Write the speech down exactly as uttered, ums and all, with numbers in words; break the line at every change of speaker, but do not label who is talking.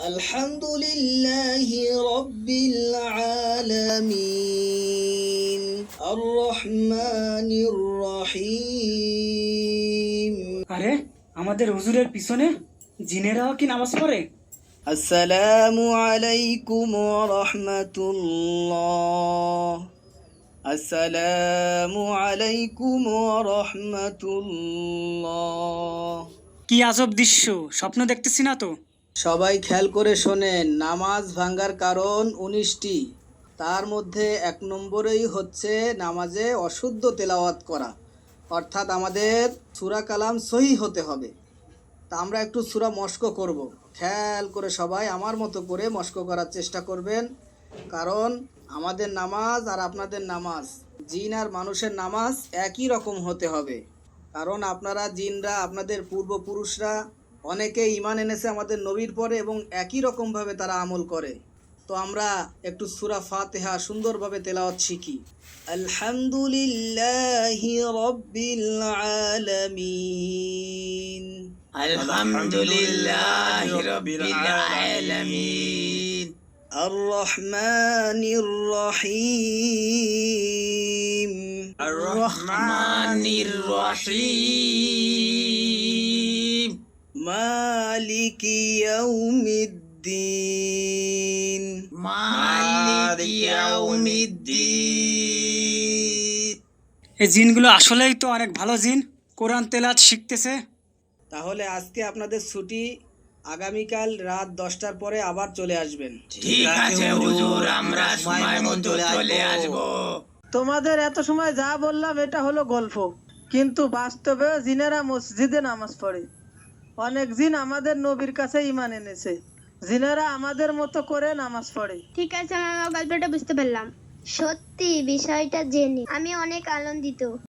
আলহামদুলিল্লাহি রাব্বিল আলামিন আর রহমানির রহিম।
আরে আমাদের হুজুরের পিছনে জিনেরাও কি নামাজ পড়ে?
আসসালামু আলাইকুম ওয়া রাহমাতুল্লাহ। আসসালামু আলাইকুম ওয়া রাহমাতুল্লাহ।
কি আজব দৃশ্য, স্বপ্ন দেখতেছি না তো?
সবাই খেয়াল করে শোনেন, নামাজ ভাঙ্গার কারণ উনিশটি। তার মধ্যে এক নম্বরেই হচ্ছে নামাজে অশুদ্ধ তেলাওয়াত করা, অর্থাৎ আমাদের সূরা কালাম সহি হতে হবে। তা আমরা একটু সূরা মস্ক করব। খেয়াল করে সবাই আমার মতো করে মস্ক করার চেষ্টা করবেন, কারণ আমাদের নামাজ আর আপনাদের নামাজ, জিন আর মানুষের নামাজ একই রকম হতে হবে। কারণ আপনারা জিনরা, আপনাদের পূর্বপুরুষরা অনেকে ঈমান এনেছে আমাদের নবীর পরে এবং একই রকমভাবে তারা আমল করে। তো আমরা একটু সূরা ফাতিহা সুন্দরভাবে তেলাওয়াত শিখি। আলহামদুলিল্লাহি রাব্বিল আলামিন।
আলহামদুলিল্লাহি রাব্বিল আলামিন।
আর রহমানির রহিম।
আর রহমানির রহিম।
মালিকি ইয়াউমিদ্দিন।
মালিকি ইয়াউমিদ্দিন।
এই জিনগুলো আসলেই তো অনেক ভালো জিন, কোরআন তেলাওয়াত শিখতেছে।
তাহলে আজকে আপনাদের ছুটি, আগামীকাল রাত দশটার পরে আবার চলে আসবেন।
ঠিক আছে হুজুর, আমরা সময় মতো চলে আসব।
তোমাদের এত সময় যা বললাম এটা হলো গল্প, কিন্তু বাস্তবে জিনেরা মসজিদে নামাজ পড়ে। অনেক জিন আমাদের নবীর কাছে ঈমান এনেছে। জিনেরা আমাদের মতো করে নামাজ পড়ে।
ঠিক আছে, মামা, গল্পটা বুঝতে পারলাম। সত্যি বিষয়টা জেনে আমি অনেক আনন্দিত।